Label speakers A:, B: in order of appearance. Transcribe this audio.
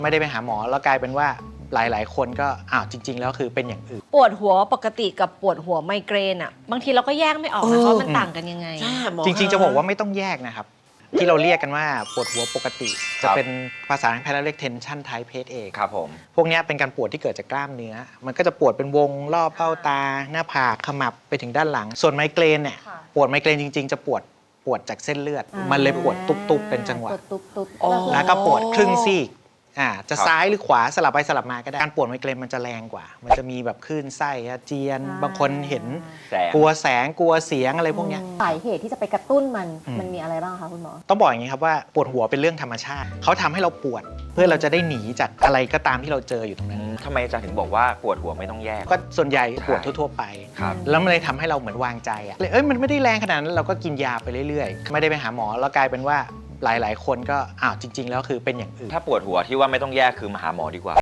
A: ไม่ได้ไปหาหมอแล้วกลายเป็นว่าหลายๆคนก็จริงๆแล้วคือเป็นอย่างอื่น
B: ปวดหัวปกติกับปวดหัวไมเกรนอ่ะบางทีเราก็แยกไม่ออกนะว่ามันต่างกันยังไง
A: จริงๆจะบอกว่าไม่ต้องแยกนะครับที่เราเรียกกันว่าปวดหัวปกติจะเป็นภาษาแพทย์เรียก tension type headache
C: ครับผม
A: พวกนี้เป็นการปวดที่เกิดจากกล้ามเนื้อมันก็จะปวดเป็นวงรอบเบ้าตาหน้าผากขมับไปถึงด้านหลังส่วนไมเกรนเนี่ยปวดไมเกรนจริงๆจะปวดจากเส้นเลือดมันเลยปวดตุบๆเป็นจังหวะแล้วก็ปวดครึ่งซีกจะซ้ายหรือขวาสลับไปสลับมาก็ได้การปวดไมเกรนมันจะแรงกว่ามันจะมีแบบคลื่นไส้อาเจียนบางคนเห็นกลัวแสงกลัวเสียงอะไรพวกนี้
D: สาเหตุที่จะไปกระตุ้นมันมีอะไรบ้างคะคุณหมอ
A: ต้องบอกอย่างนี้ครับว่าปวดหัวเป็นเรื่องธรรมชาติเขาทำให้เราปวดเพื่อเราจะได้หนีจากอะไรก็ตามที่เราเจออยู่ตรงนั้น
C: ทำไมอาจารย์ถึงบอกว่าปวดหัวไม่ต้องแยก
A: ก็ส่วนใหญ่ปวดทั่วๆไปแล้วมันเลยทำให้เราเหมือนวางใจมันไม่ได้แรงขนาดนั้นเราก็กินยาไปเรื่อยๆไม่ได้ไปหาหมอแล้วกลายเป็นว่าหลายๆคนก็จริงๆแล้วคือเป็นอย่างอื่น
C: ถ้าปวดหัวที่ว่าไม่ต้องแยกคือมาหาหมอดีกว่า